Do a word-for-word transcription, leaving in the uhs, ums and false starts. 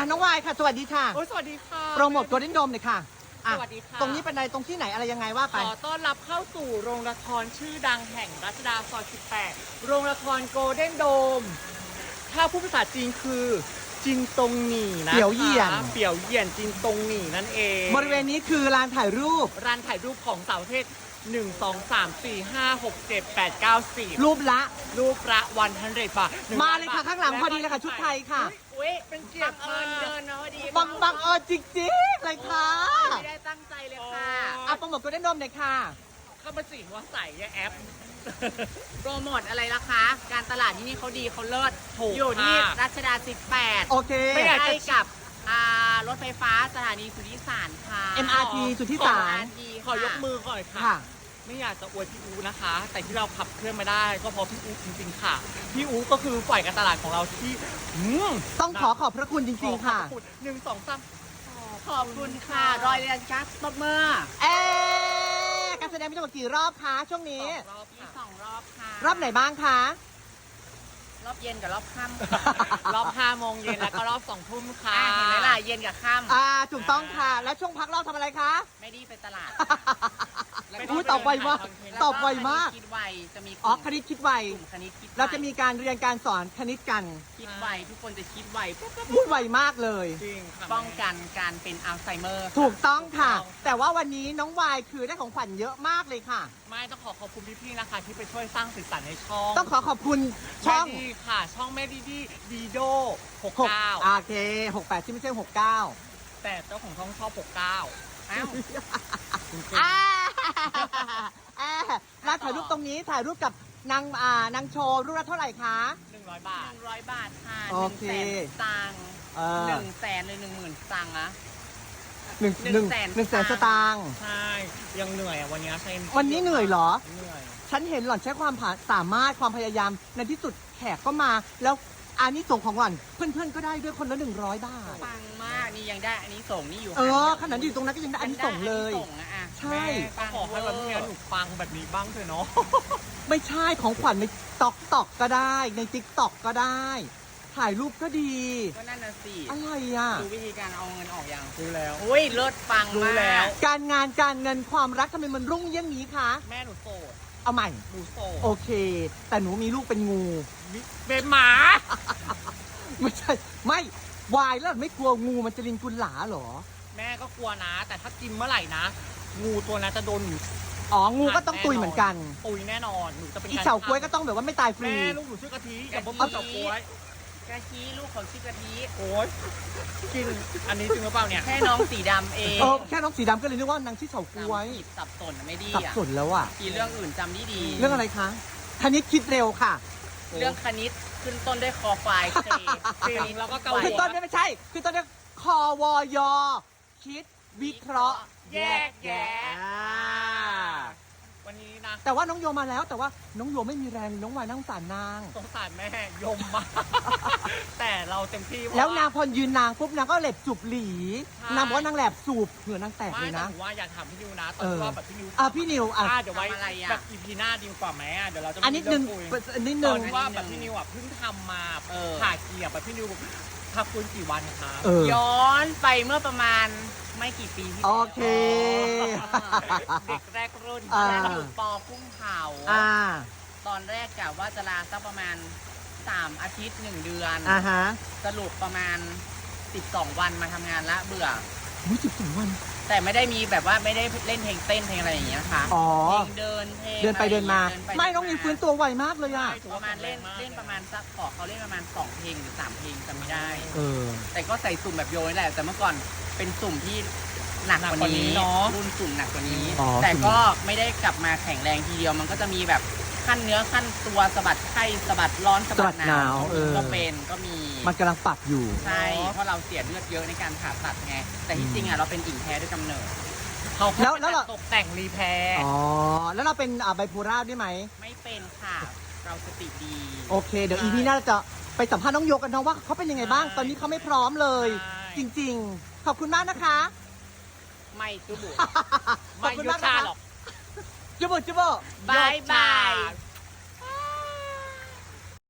น้องวายค่ะสวัสดีค่ะโอ้ยสวัสดีค่ะโปรโมทโกลเด้นโดมเลยค่ะอ่ะสวัสดีค่ะตรงนี้เป็นอะไรตรงที่ไหนอะไรยังไงว่าขไปอต้อนรับเข้าสู่โรงละครชื่อดังแห่งรัชดาซอยสิบแปดโรงละครโกลเด้นโดมถ้าพูดภาษาจีนคือจินตงหนี่นะคะเปี่ยวเหยี่ยนเปี่ยวเหยี่ยนจินตงหนี่นั่นเองบริเวณนี้คือลานถ่ายรูปร้านถ่ายรูปของสาวประเภทหนึ่ง สอง สาม สี่ ห้า หก เจ็ด แปด เก้า สิบรูปละรูปละวันฮันเดรบาทมาเลยค่ะข้างหลังพอดีเลยค่ะชุดไทยค่ะอุ้ยเป็นเกียรติมากเดินเนาะพอดีบังบังเออจริงๆเลยค่ะไม่ได้ตั้งใจเลยค่ะอ่ะโปรโมทโกลเด้นโดมเลยค่ะเข้ามาสิว่าใส่ยาแอปโปรโมทอะไรล่ะคะ การตลาดที่นี่เขาดีเขาเลิศถูกอยู่ที่ค่ะรัชดาสิบแปดโอเคไม่อยากใกล้กับอ่ารถไฟฟ้าสถานีสุทธิสารค่ะเอ็ม อาร์ ที สุทธิสารเอ็ม อาร์ ทีขอยกมือก่อนค่ะค่ะไม่อยากจะอวยพี่อูนะคะ แต่ที่เราขับเคลื่อนมาได้ก็เพราะพี่อูจริงๆค่ะ พี่อูก็คือฝ่ายการตลาดของเราที่อืมต้องขอขอบพระคุณจริงๆค่ะขอบณหนึ่งสองสามขอบคุณค่ะ รอยเรียนกัสตบมือเอ๊ะการแสดงมีทั้งหมดกี่รอบคะช่วงนี้รอบมีค่ะสองรอบค่ะรอบไหนบ้างคะรอบเย็นกับรอบค่ำรอบห้าโมงเย็นแล้วก็รอบสองทุ่มค่ะอ่ะเห็นไหมล่ะเย็นกับค่อ่าถูกต้องค่ะ แล้วช่วงพักรอบทำอะไรคะำไม่ได้ไปตลาดอุ๊ยตอบไวมาก ตอบไวมากคิดไวจะมีกอ๋อลุ่มคณิตคิดไวกลุ่มคณิตคิดไวเราจะมีการเรียนการสอนคณิตกันคิดไวทุกคนจะคิดไวปุ๊บปุ๊บพูดไวมากเลยจริงค่ะป้องกันการเป็นอัลไซเมอร์ถูกต้องค่ะ แต่ว่าวันนี้น้องวายคือได้ของขวัญเยอะมากเลยค่ะไม่ต้องขอขอบคุณพี่ๆนะคะ ที่ไปช่วยสร้างสีสันในช่องต้องขอขอบคุณช่องแม่ดีค่ะ ช่องแม่ดีดีดีโดหกหกเก้าโอเคหกแปดที่ไม่ใช่หกเก้าแต่เจ้าของช่องชอบหกเก้าอ้าวอ่าอ่าร้านถ่ายรูปตรงนี้ถ่ายรูปกับนางอ่านางโชว์รูปละเท่าไหร่คะหนึ่งร้อยบาหทนึ่งร้อยบาทค่ะหโอนึ่งเคแสนสตังค์เออหนึ่งแสนหรือหนึ่งหมื่นสตังค์อะหนึ่งหนึ่หนึ่งงแสนหนึ่งแสนสตางค์ใช่ ยังเหนื่อยอ่ะวันนี้ใช่วันนี้เหนื่อยเหรอเหนื่อยฉันเห็นหล่อนใช้ความผ่าสามารถความพยายามในที่สุดแขกก็มา แล้วอันนี้ส่งส์ของหล่อน เพื่อนๆก็ได้ด้วยคนละหนึ่งร้อยบาทปังมากนี่ยังได้อันนี้ส่งนี่อยู่เออขนาดอยู่ตรงนั้นก็ยังได้อันนี้ส่งเลยอันนี้ส่งอะอะใช่แม่ก็ขอให้วันนี้หนูฟังแบบนี้บ้างเถอะเนาะไม่ใช่ของขวัญในตอกตอกก็ได้ในติ๊กตอกก็ได้ ถ่ายรูปก็ดีก็นั่นน่ะสิอะไรอ่ะดูวิธีการเอาเงินออกยังรู้แล้วอุ้ยเลิศปังรู้มากแล้วการงานการเงินความรักทำไมมันรุ่งเยี่ยงนี้คะแม่หนูโสดเอาใหม่หนูโสดโอเค แต่หนูมีลูกเป็นงูเป็นหมาไม่ใช่ ไม่วายแล้วไม่กลัวงูมันจะลินกุลหลาเหรอแม่ก็กลัวนะ แต่ถ้ากินเมื่อไหร่นะ งูตัวนั้นจะโดนหนูอ๋อ งูก็ต้องตุยเหมือนกันตุยแน่นอนหนูจะเป็นอีรเฉาก้วยก็ต้องแบบว่าไม่ตายฟรีแม่ลูกหนูชื่อกะทิอย่าบอกว่าเฉาก้วยกะทิลูกของชิกะทิโอ้ยกินอันนี้จริงหรือเปล่าเนี่ยแค่น้องสีดำเองเออแค่น้องสีดำก็เลยนึกว่านางชื่อเฉาก้วยผิดสับสนอะไม่ดีสับอ่ะสนแล้วอ่ะกี่เรื่องอื่นจำดีดีเรื่องอะไรคะคณิตคิดเร็วค่ะเรื่องคณิตขึ้นต้นด้วยคอควายเคจริงแล้วก็เกาคือต้นไม่ใช่ คือต้นเนี่ยคอวอยอคิดวิเคราะห์แยกแยะอ่าวันนี้นะแต่ว่าน้องโยมาแล้ว แต่ว่าน้องโยไม่มีแรงน้องวายนั่งสารนางสงสารแม่ยมมาก แต่เราเต็มที่เพระแล้วนางพอยืนนางปุ๊บนางก็เหล็บจูบหลีใช่นางบอกว่านางแหลบสูบเหงื่อนางแตกไม่เลยแต่นะหนูว่าอยากถามพี่นิวนะตอเอน อรอบแบบพี่นิวอ่ะพี่นิวอ่ะอ่ะเดี๋ยวไว้แบบอีพีหน้าดีกว่าไหมอ่ะเดี๋ยวเราจะอันนิดนึงเรื่องคุยอันนิดตนึอง นว่าแบบพี่นิวอ่ะเพิ่งทำมาผ่าเกียร์แบบพี่นิวพักฟื้นกี่วันคะเออย้อนไปเมื่อประมาณไม่กี่ปีที่โอแล้วเคเด็กแรกรุ่นอ่าฉันอยู่ปอกุ้งเผาอ่าตอนแรกกะว่าจะลาสักประมาณสามอาทิตย์หนึ่งเดือนอ่าฮะสรุปประมาณสิบสองวันมาทำงานละเบื่ออุ้ยสิบสองวันแต่ไม่ได้มีแบบว่าไม่ได้เล่นเพลงเต้นเพลงอะไรอย่างเงี้ยค่ะอ๋อเพลงเดินเพลงเดินไปเดินมาอะรย่งเงี้ยไม่น้องยิงฟื้นตัวไวมากเลยอ่ะประมาณเล่นเล่นประมาณสักขอเขาเล่นประมาณสองเพลงหรือสามเพลงจำไม่ได้เออแต่ก็ใส่สุ่มแบบโยนนี่แหละ แต่เมื่อก่อนเป็นสุ่มที่หนักกว่านี้เนาะรุ่นสุ่มหนักกว่านี้อ๋อแต่ก็ไม่ได้กลับมาแข็งแรงทีเดียว มันก็จะมีแบบขั้นเนื้อขั้นตัวสะบัดไข้สะบัดร้อนสะบัดหนาวเออก็เป็นก็มีมันกำลังปรับอยู่ใช่เพราะเราเสียเลือดเยอะในการผ่าตัดไง แต่ที่จริงอ่ะเราเป็นหญิงแท้ด้วยกำเนิดเขาแล้วแล้วเราตกแต่งรีแพร์อ๋อ แล้วเราเป็นอ่าไบโพล่าด้วยไหมไม่เป็นค่ะ เราสติดีโอเค เดี๋ยวอีพีหน้าจะไปสัมภาษณ์น้องโยกันนะว่าเขาเป็นยังไงบ้าง ตอนนี้เขาไม่พร้อมเลย จริงๆ ขอบคุณมากนะคะไม่จุบุไม่ยุชาหรอกจุบจุบบายบายยศช